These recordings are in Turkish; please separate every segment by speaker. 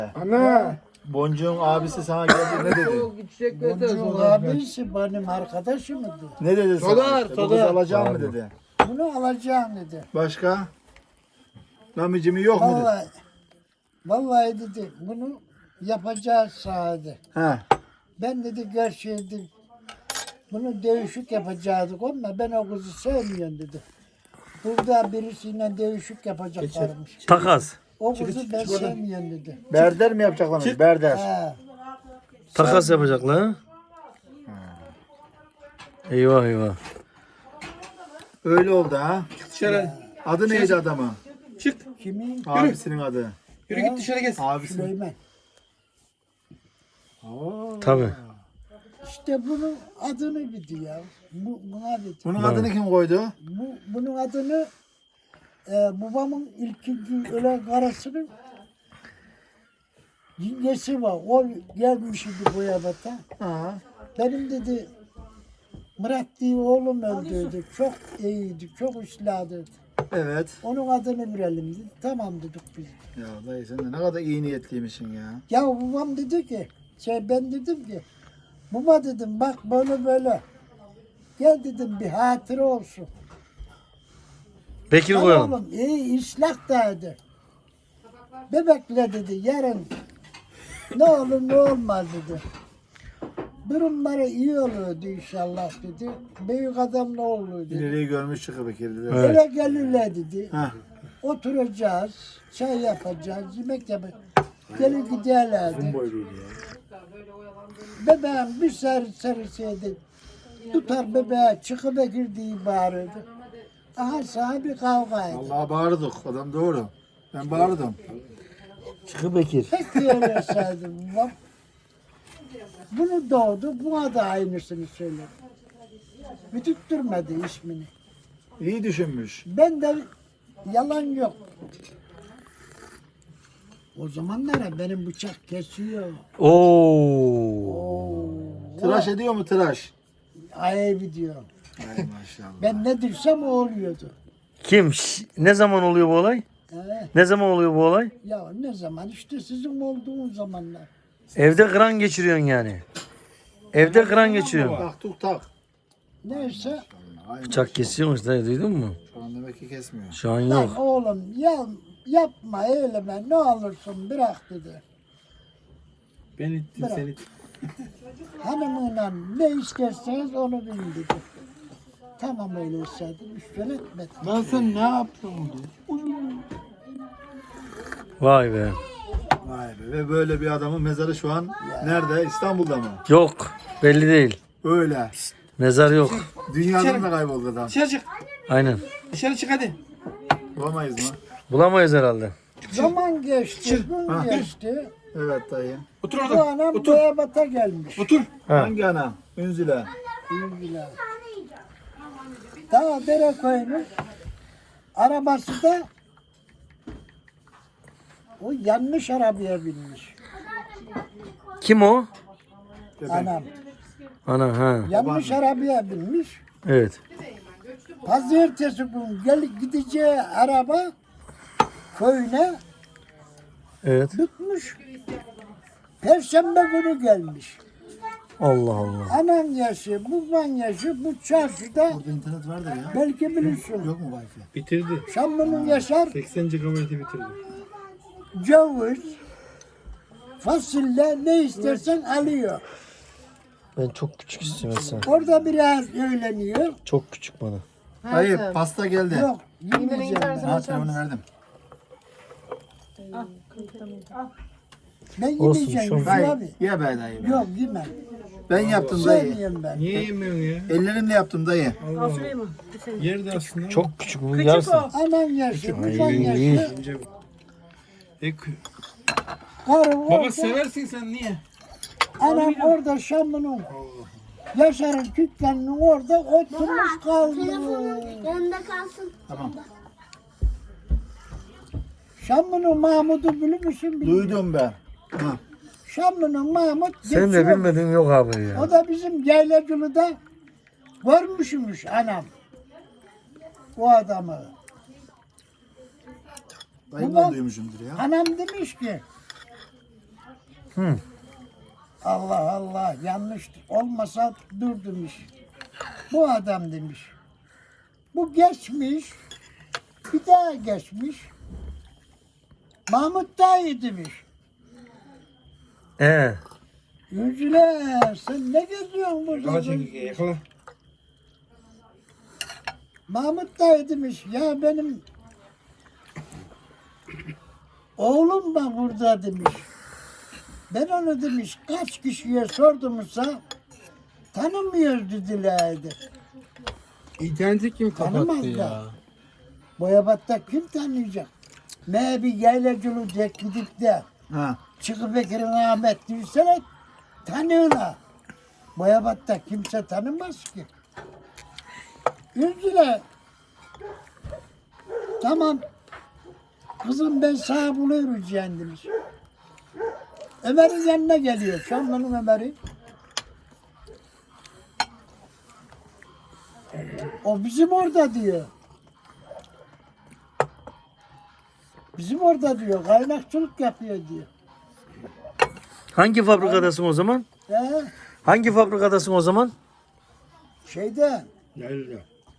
Speaker 1: Ana.
Speaker 2: Boncuğun abisi sana geldi ne dedi?
Speaker 3: Boncuğun abisi benim arkadaşımdı.
Speaker 2: Ne dedi sana?
Speaker 1: Solar,
Speaker 2: İşte, bu kızı
Speaker 1: solar.
Speaker 2: alacağım mı dedi.
Speaker 3: Bunu alacağım dedi.
Speaker 2: Başka? Namicimi yok mu dedi.
Speaker 3: Vallahi dedi bunu yapacağız sahada.
Speaker 2: He.
Speaker 3: Ben dedi gerçeği bunu dövüşük yapacaktık ama ben o kızı sevmiyorum dedi. Burada birisiyle dövüşük yapacaklarmış.
Speaker 4: Takas.
Speaker 3: O kızı ben sevmiyorum dedi.
Speaker 2: Berder mi yapacaklarmış? Berder.
Speaker 3: He.
Speaker 4: Takas yapacaklar. Ha? Eyvah eyvah.
Speaker 2: Öyle oldu ha.
Speaker 1: Dışarı.
Speaker 2: Adı neydi adamın?
Speaker 1: Çık.
Speaker 3: Kimin?
Speaker 2: Abisinin adı.
Speaker 1: Yürü git dışarı gez.
Speaker 2: Abisi.
Speaker 3: Süleyman.
Speaker 4: Tabii.
Speaker 3: İşte bunun adını bildi ya. Buna dedi.
Speaker 2: Bunun adını kim koydu?
Speaker 3: Bunun adını babamın ilkinci ölen karısının yengesi var. O gelmiş idi Boyabat'a.
Speaker 2: Ha.
Speaker 3: Benim dedi Murat diye oğlum öldürdü. Çok iyiydi, çok üstladı.
Speaker 2: Evet.
Speaker 3: Onun adını verelim dedi. Tamam dedik biz.
Speaker 2: Ya dayı sen de ne kadar iyi niyetliymişsin ya.
Speaker 3: Ya babam dedi ki, ben dedim ki, baba dedim bak böyle böyle. Gel dedim bir hatıra olsun.
Speaker 4: Bekir
Speaker 3: Lan
Speaker 4: koyalım.
Speaker 3: oğlum iyi ıslah dedi. Bebekle dedi yarın ne olur ne olmaz dedi. Durumları iyi olurdu inşallah dedi. Büyük adam ne olur dedi.
Speaker 2: İleriyi görmüş çıkı Bekir dedi.
Speaker 4: Evet.
Speaker 3: Eve gelirler dedi.
Speaker 2: Ha.
Speaker 3: Oturacağız, çay yapacağız, yemek yapacağız. Gelin giderlerdi. Bebeğim bir seriseydi. Tutar bebeğe çıkıp girdiği bağırırdı. Aha sana bir kavga edin.
Speaker 2: Vallahi bağırdık. Adam doğru. Ben bağırdım.
Speaker 4: Çıkı Bekir.
Speaker 3: Pek söyleseydim babam. Bunu doğdu, buna da aynısını söyledi. Bütüttürmedi ismini.
Speaker 2: İyi düşünmüş.
Speaker 3: Ben de yalan yok. O zamanlara benim bıçak kesiyor.
Speaker 4: Oo.
Speaker 2: Tıraş ediyor mu tıraş?
Speaker 3: Ayıp diyor.
Speaker 2: Ay maşallah.
Speaker 3: Ben ne dirsem o oluyordu.
Speaker 4: Kim? Ne zaman oluyor bu olay? Ne zaman oluyor bu olay?
Speaker 3: Ya ne zaman işte sizin olduğunuz zamanlar.
Speaker 4: Evde kıran geçiriyorsun yani. Evde kıran geçiriyorsun.
Speaker 2: Tak tuk tak.
Speaker 3: Neyse
Speaker 2: Ay,
Speaker 4: Bıçak kesiyormuş dayı, duydun mu?
Speaker 2: şu an demek ki kesmiyor.
Speaker 4: Şu an
Speaker 3: lan
Speaker 4: yok.
Speaker 3: oğlum yapma eyleme ne olursun bırak dedi.
Speaker 1: Ben ittim
Speaker 3: Bırak.
Speaker 1: seni.
Speaker 3: Hanımıyla ne isterseniz onu bilin dedi. Tamam öyleyse dedim. Üstüne etmedim.
Speaker 1: Lan sen ne yaptın?
Speaker 4: Vay be.
Speaker 2: Vay be. Ve böyle bir adamın mezarı şu an nerede? İstanbul'da mı?
Speaker 4: Yok. Belli değil.
Speaker 2: Öyle.
Speaker 4: Mezar yok.
Speaker 2: Dünyadan da kayboldu adam.
Speaker 1: Dışarı çık.
Speaker 4: Aynen.
Speaker 1: Dışarı çık hadi.
Speaker 2: Bulamayız mı?
Speaker 4: Bulamayız herhalde.
Speaker 3: Zaman geçti, gün geçti.
Speaker 2: Evet dayı.
Speaker 1: Otur
Speaker 3: Bu
Speaker 1: orada.
Speaker 3: anam
Speaker 1: Otur.
Speaker 3: Boyabat'a gelmiş.
Speaker 1: Otur.
Speaker 4: Ha.
Speaker 2: Hangi ana? Ünzile.
Speaker 3: Bilgiler. Daha dere koymuş. Arabası da o yanlış arabaya binmiş.
Speaker 4: Kim o?
Speaker 3: Anam.
Speaker 4: Ana ha.
Speaker 3: Yanlış arabaya binmiş.
Speaker 4: Evet.
Speaker 3: Pazartesi gün gideceği araba köyüne
Speaker 4: Evet.
Speaker 3: tutmuş. Perşembe günü gelmiş.
Speaker 4: Allah Allah.
Speaker 3: Anan yaşı, baban yaşı bu çarşıda
Speaker 2: Burada internet vardır ya.
Speaker 3: belki bilirsin.
Speaker 2: Yok mu wifi?
Speaker 1: Bitirdi.
Speaker 3: Şamlı'nın Yaşar
Speaker 1: 80 GB'ı bitirdi.
Speaker 3: ceviz, fasulye ne istersen alıyor.
Speaker 4: Ben çok küçük istiyorum sen.
Speaker 3: Orada biraz öğleniyor.
Speaker 4: Çok küçük bana.
Speaker 2: Dayı pasta geldi.
Speaker 3: Yok yemeyeceğim ben.
Speaker 2: Ha telefonu verdim.
Speaker 3: Ben
Speaker 4: Olsun,
Speaker 3: yemeyeceğim
Speaker 4: şu-
Speaker 3: Yusuf
Speaker 2: Dayı
Speaker 3: abi.
Speaker 2: ye be dayı.
Speaker 3: Yok yemem.
Speaker 2: Ben yaptım dayı.
Speaker 3: Sevmiyorum ben.
Speaker 1: Niye yemiyorsun ya?
Speaker 2: Ellerimle yaptım dayı.
Speaker 1: Allah Allah. Yerde aslında.
Speaker 4: Çok küçük bu yarısı.
Speaker 3: Anan yaşı, baban
Speaker 4: Ay.
Speaker 3: yaşı.
Speaker 1: Önce bu. E,
Speaker 3: Karı
Speaker 1: baba
Speaker 3: orada.
Speaker 1: seversin sen niye?
Speaker 3: Anam orada Şamlı'nın Yaşar'ın dükkanının orada oturmuş kaldı.
Speaker 5: Yanında kalsın.
Speaker 2: Tamam.
Speaker 3: Şamlı'nın Mahmud'u bilir misin? bilmiyorum.
Speaker 2: Duydum ben. Ha.
Speaker 3: Şamlı'nın Mahmud
Speaker 4: Sen de
Speaker 3: geçiyor.
Speaker 4: bilmedin yok abi ya.
Speaker 3: O da bizim Yaylacılı'da görmüşmüş anam. O adamı.
Speaker 2: Dayımdan
Speaker 3: Babam-
Speaker 2: duymuşumdur ya.
Speaker 3: Anam demiş ki
Speaker 4: Hı.
Speaker 3: Allah Allah yanlış olmasa dur demiş. Bu adam demiş. Bu geçmiş. Bir daha geçmiş. Mahmut dayı demiş. Yüzüler sen ne geziyorsun burada?
Speaker 1: Yakala çekirge yakala.
Speaker 3: Mahmut dayı demiş ya benim oğlum da burada demiş. Ben onu demiş kaç kişiye sordumsa tanımıyoruz dedilerdi.
Speaker 1: İnterneti kim kapattı
Speaker 3: Tanımaz
Speaker 1: ya?
Speaker 3: da. Boyabat'ta kim tanıyacak? Me bir yaylacılık gidip de
Speaker 2: Ha.
Speaker 3: Çıkı Bekir'in Ahmet diyorsalar tanıyorlar. Boyabat'ta kimse tanımaz ki. Üzüle. Tamam. Kızım ben sana buluyorum demiş. Ömer'in yanına geliyor. Şamlı'nın Ömer'i. O bizim orada diyor. Bizim orada diyor. Kaynakçılık yapıyor diyor.
Speaker 4: Hangi fabrikadasın o zaman?
Speaker 3: He?
Speaker 4: Hangi fabrikadasın o zaman?
Speaker 3: Şeyde
Speaker 1: Yaylada.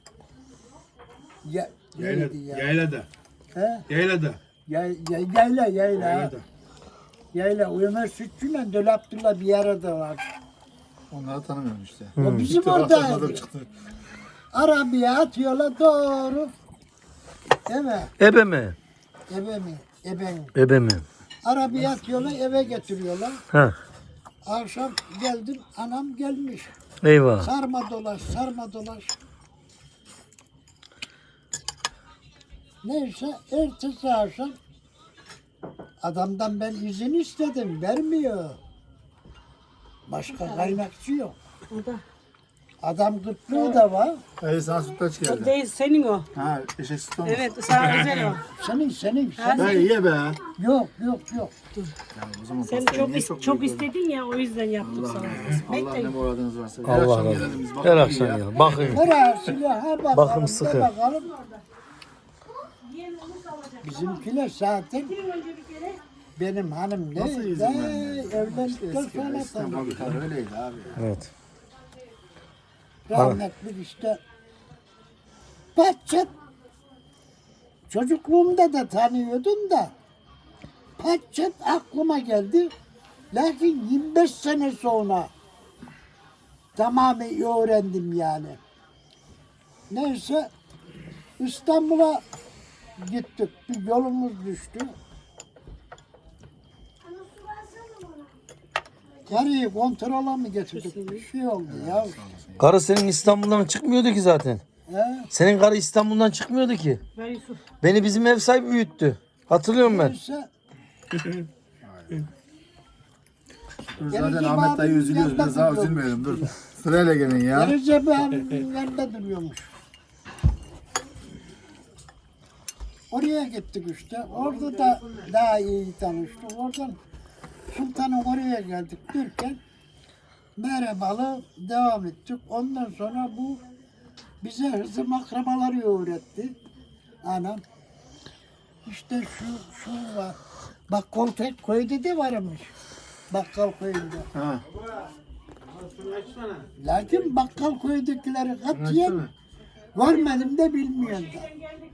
Speaker 3: neydi ya?
Speaker 1: Yaylada.
Speaker 3: He?
Speaker 1: Yaylada.
Speaker 3: Yayla.
Speaker 1: Yaylada.
Speaker 3: Yayla. Ömer Sütçü'yle Döl Abdullah bir arada var.
Speaker 2: Onları tanımıyorum işte.
Speaker 3: O bizim
Speaker 2: İlk defa tanıdım,
Speaker 3: oradaydı.
Speaker 2: çıktı.
Speaker 3: Arabaya atıyorlar doğru. Eve.
Speaker 4: Ebe mi?
Speaker 3: Eve mi? Ebe mi?
Speaker 4: Ebe mi?
Speaker 3: Arabaya atıyorlar eve getiriyorlar.
Speaker 4: Ha.
Speaker 3: Akşam geldim anam gelmiş.
Speaker 4: Eyvah.
Speaker 3: Sarma dolaş. Neyse ertesi akşam adamdan ben izin istedim. Vermiyor. Başka kaynakçı yok. Adam gırtlığı da var.
Speaker 2: Sana sütlaç
Speaker 6: O
Speaker 2: geldi.
Speaker 6: değil senin o.
Speaker 2: Ha, eşek süt olmuş.
Speaker 6: Evet sana özel o.
Speaker 3: Senin.
Speaker 2: Ben ye be.
Speaker 3: Yok.
Speaker 2: O zaman
Speaker 6: Sen
Speaker 2: pastayı niye
Speaker 6: çok
Speaker 2: büyük
Speaker 6: istedin ya o yüzden yaptık sana.
Speaker 2: Allah ne muradınız varsa. Her
Speaker 4: Allah
Speaker 2: akşam
Speaker 4: razı
Speaker 2: gelelim biz,
Speaker 4: olsun.
Speaker 2: bakalım
Speaker 4: Her
Speaker 2: iyi
Speaker 4: akşam
Speaker 2: ya.
Speaker 4: ya. Bakayım.
Speaker 3: Orası ha bakalım.
Speaker 4: Bakım
Speaker 3: da
Speaker 4: sıkı.
Speaker 3: bakalım. Bizimkiler zaten benim hanım
Speaker 2: Nasıl
Speaker 3: ne?
Speaker 2: izin vermiyor?
Speaker 3: Evlendikten
Speaker 2: Eski
Speaker 3: sonra
Speaker 2: İstanbul
Speaker 3: tanıdım.
Speaker 2: öyleydi abi.
Speaker 4: Evet.
Speaker 3: Rahmetli işte. Patçat. Çocukluğumda da tanıyordum da. Patçat aklıma geldi. Lakin 25 sene sonra tamamen öğrendim yani. Neyse İstanbul'a gittik. Bir yolumuz düştü. Karıyı kontrola mı getirdik? Bir şey oldu ya.
Speaker 4: Karı senin İstanbul'dan çıkmıyordu ki zaten.
Speaker 3: He?
Speaker 4: Senin karı İstanbul'dan çıkmıyordu ki.
Speaker 6: Ver Yusuf.
Speaker 4: Beni bizim ev sahibi büyüttü. Hatırlıyorum ben.
Speaker 3: Neyse
Speaker 2: Dur zaten
Speaker 3: Recep
Speaker 2: Ahmet dayı
Speaker 3: abinin
Speaker 2: üzülüyoruz.
Speaker 3: yanında
Speaker 2: Biraz daha
Speaker 3: duruyormuş.
Speaker 2: üzülmeyelim dur. Sırayla gelin ya.
Speaker 3: Recep abinin yanında duruyormuş. Oraya gittik işte. Orada da daha iyi tanıştık. Oradan Sultan'ın oraya geldik derken merhabalı devam ettik. Ondan sonra bu bize hızım akrabaları öğretti. Anam. İşte şu var. Bakkal köyde de varmış. Bakkal köyünde.
Speaker 2: Ha.
Speaker 3: Lakin bakkal köydekileri katiyen görmedim de bilmiyorum da.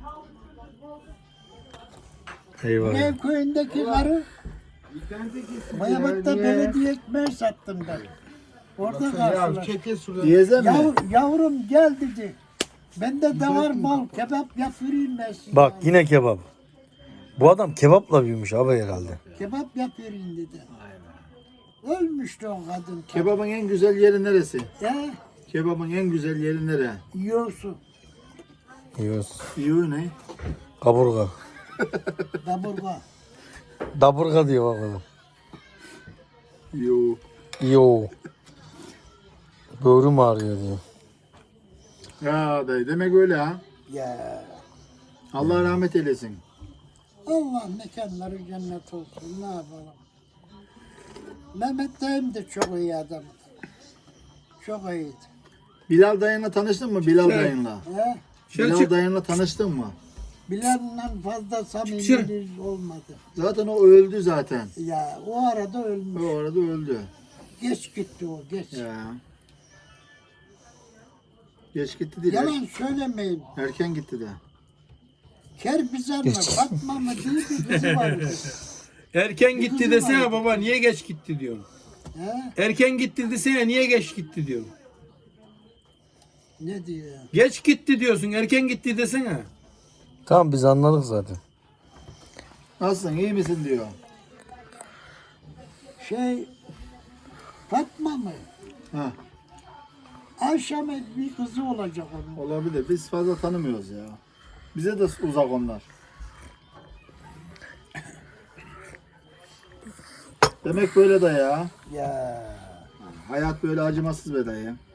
Speaker 4: Eyvah.
Speaker 3: Ev köyündeki karı Bayabat'ta belediye ekmeği sattım ben. Orada karşılaştık.
Speaker 2: Diyeze mi?
Speaker 3: Yavrum gel dedi. Bende de var mal kebap yapayım ben size.
Speaker 4: Bak yine kebap. Bu adam kebapla büyümüş abi herhalde.
Speaker 3: Kebap yapayım dedi. Ölmüştü o kadın.
Speaker 2: Kebabın en güzel yeri neresi?
Speaker 3: Ya
Speaker 2: Kebabın en güzel yeri nere?
Speaker 3: yiyorsun.
Speaker 4: Yiyoruz.
Speaker 2: İyi ne?
Speaker 4: Kaburga.
Speaker 3: Kaburga.
Speaker 4: Daburga diyor bak adam.
Speaker 2: Yo.
Speaker 4: Yo. Böğrüm ağrıyor diyor.
Speaker 2: Ya dayı demek öyle ha.
Speaker 3: Ya
Speaker 2: Allah rahmet eylesin.
Speaker 3: Allah mekanları cennet olsun ne yapalım. Mehmet dayım da çok iyi adam. Çok iyiydi.
Speaker 2: Bilal dayınla tanıştın mı? Bilal dayınla.
Speaker 3: He?
Speaker 2: Bilal
Speaker 1: Selçuk.
Speaker 2: dayınla tanıştın mı?
Speaker 3: Bilal'le fazla samimiliğimiz olmadı.
Speaker 2: Zaten o öldü zaten.
Speaker 3: Ya o arada ölmüş.
Speaker 2: O arada öldü.
Speaker 3: Geç gitti o, geç.
Speaker 2: Ya. Geç gitti değil.
Speaker 3: Yalan söylemeyin.
Speaker 2: Erken gitti de.
Speaker 3: Kerbizar mı, Fatma mı diye bir kızı vardı.
Speaker 1: Erken gitti
Speaker 3: kızım
Speaker 1: desene
Speaker 3: vardı.
Speaker 1: baba niye geç gitti diyorum.
Speaker 3: He?
Speaker 1: Erken gitti desene niye geç gitti diyorum.
Speaker 3: Ne diyor?
Speaker 1: Geç gitti diyorsun erken gitti desene.
Speaker 4: Tamam biz anladık zaten.
Speaker 2: Nasılsın iyi misin diyor.
Speaker 3: Fatma mı?
Speaker 2: Ha,
Speaker 3: Ayşe mi bir kızı olacak onun.
Speaker 2: olabilir. Biz fazla tanımıyoruz ya. Bize de uzak onlar. Demek böyle de ya.
Speaker 3: Ya
Speaker 2: Hayat böyle acımasız be dayı.